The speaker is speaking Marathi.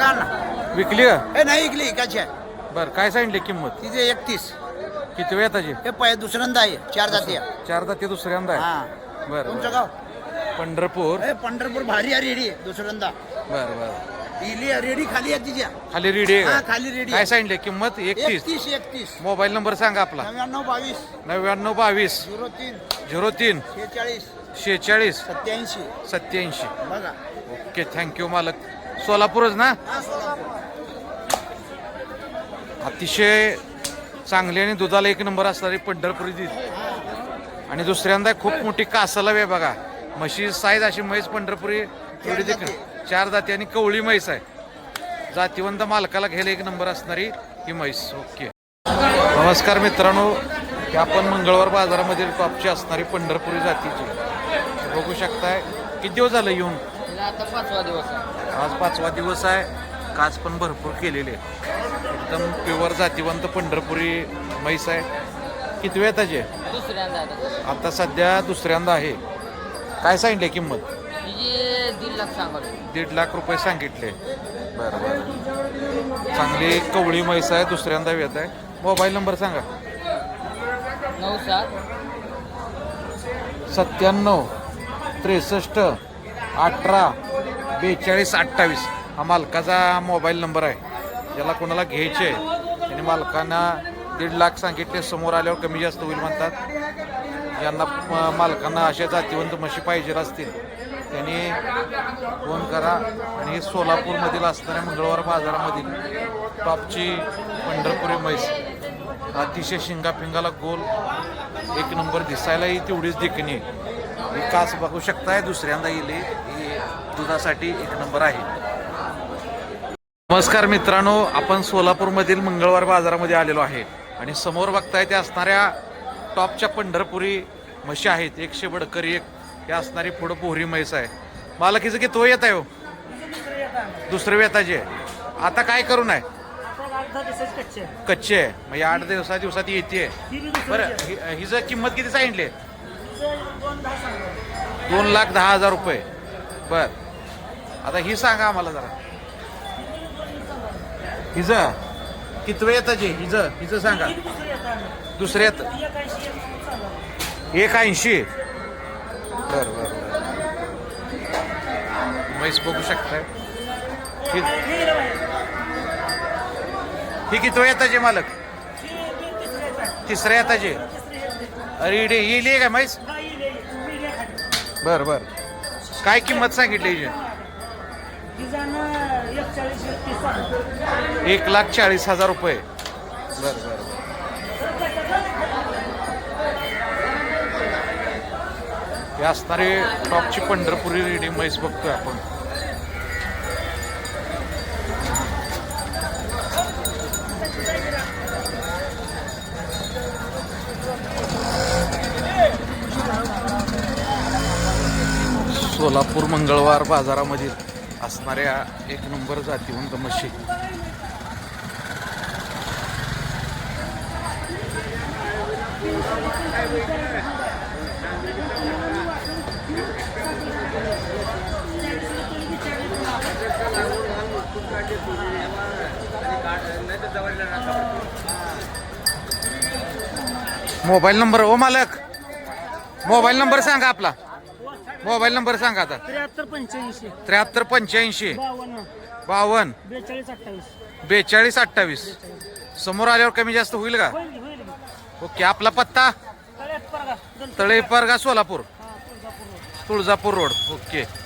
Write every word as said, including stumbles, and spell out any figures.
ना विकली का? हे नाही इकली इकाची आहे. बरं, काय सांगितली किंमत? तिचे एकतीस. किती वेळ त्याची? हे पै दुसऱ्यांदा आहे, चार जाती आहे. चार दाती दुसऱ्यांदा हा. आहे. बरं तुमचं बरं. गाव? पंढरपूर. हे पंढरपूर भारी आहे रेडी दुसऱ्यांदा. बरं बरं. इली रेडी खाली आहे तिच्या. खाली रेडी आहे हा का? खाली रेडी काय सांगितले किंमत? एकतीस. एकतीस एकतीस. मोबाईल नंबर सांगा आपला. नव्याण्णव बावीस नव्याण्णव बावीस झिरो तीन झिरो तीन शेहेचाळीस शेहेचाळीस सत्याऐंशी. सत्याऐंशी. बघा. ओके, थँक्यू मालक. सोलापूरच ना? हा सोलापूर. अतिशय चांगली आणि दुधाला एक नंबर असणारी पंढरपुरी दी आणि दुसऱ्यांदा खूप मोठी कासाला वे बघा. म्हशी साईज अशी म्हैस पंढरपुरी थोडी देखील चार जाती आणि कवळी म्हैस आहे. जातीवंत मालकाला घ्यायला एक नंबर असणारी ही म्हैस. ओके, नमस्कार मित्रांनो. ही आपण मंगळवार बाजारामध्ये टॉपची असणारी पंढरपुरी जातीची बघू शकताय. किती दिवस झालं येऊन? आता पाचवा दिवस आहे. आज पाचवा दिवस आहे. काच पण भरपूर केलेली आहे. एकदम प्युअर जातीवंत पंढरपुरी म्हैस आहे. किती वेळ त्याचे? दुसऱ्यांदा आहे. आता सध्या दुसऱ्यांदा आहे. काय सांगितले किंमत? तिची दीड लाख सांगावी. दीड लाख रुपये सांगितले. बरं बरं. चांगली कवळी म्हैस आहे. दुसऱ्यांदा येत आहे. मोबाईल नंबर सांगा. नऊ सात सत्त्याण्णव त्रेसष्ट अठरा बेचाळीस अठ्ठावीस हा मालकाचा मोबाईल नंबर आहे. ज्याला कोणाला घ्यायचे आहे त्याने मालकांना दीड लाख सांगितले. समोर आल्यावर कमी जास्त होईल म्हणतात. यांना मालकांना अशा जातीवंत म्हशी पाहिजे असतील त्यांनी फोन करा. आणि हे सोलापूरमधील असणाऱ्या मंगळवार बाजारामधील टॉपची पंढरपुरी म्हैस अतिशय शिंगापिंगाला गोल एक नंबर. दिसायलाही तेवढीच देखणी. ही कास बघू शकताय. दुसऱ्यांदा येईल. ही दुधासाठी एक नंबर आहे. नमस्कार मित्रांनो, आपण सोलापूरमधील मंगळवार बाजारामध्ये आलेलो आहे आणि समोर बघताय ते असणाऱ्या टॉपच्या पंढरपुरी म्हशी आहेत. एकशे बडकरी एक हे असणारी पुढं पोहरी म्हैस आहे. मालकीचं किती येत आहे हो? दुसरं वेताचे. आता काय करून आहे? कच्चे आहे. म्हणजे आठ दिवसा दिवसात येते. बरं, हिचं किंमत किती सांगितली? दोन लाख दहा हजार रुपये. बर, आता ही सांगा आम्हाला जरा. हिचं किती वेळ येताचे? हिचं हिचं सांगा. दुसऱ्यात एक ऐंशी. बर बर. म्हैस बघू शकताय. ही किती वेळ येताचे मालक? तिसऱ्या येताचे. अरे इडे येईल का म्हैस? बर बर. काय किंमत सांगितली हिची? एक लाख चाळीस हजार रुपये. बर बर. हे असणारे टॉपची पंढरपुरी रेडी म्हैस बघतोय आपण. सोलापूर मंगळवार बाजारामधील असणाऱ्या एक नंबर जातीवंत म्हशी. मोबाईल नंबर ओ मालक, मोबाईल नंबर सांगा आपला. मोबाईल नंबर सांगा आता. त्र्याहत्तर पंच्याऐंशी त्र्याहत्तर पंच्याऐंशी बावन्न बावन्न बेचाळीस अठ्ठावीस. बेचाळीस अठ्ठावीस. समोर आल्यावर कमी जास्त होईल का? होईल की, होईल की. ओके. आपला पत्ता? तळ्यात परगा, दंत- तळेपरगा सोलापूर हा, Tuljapur road. Tuljapur road. Okay.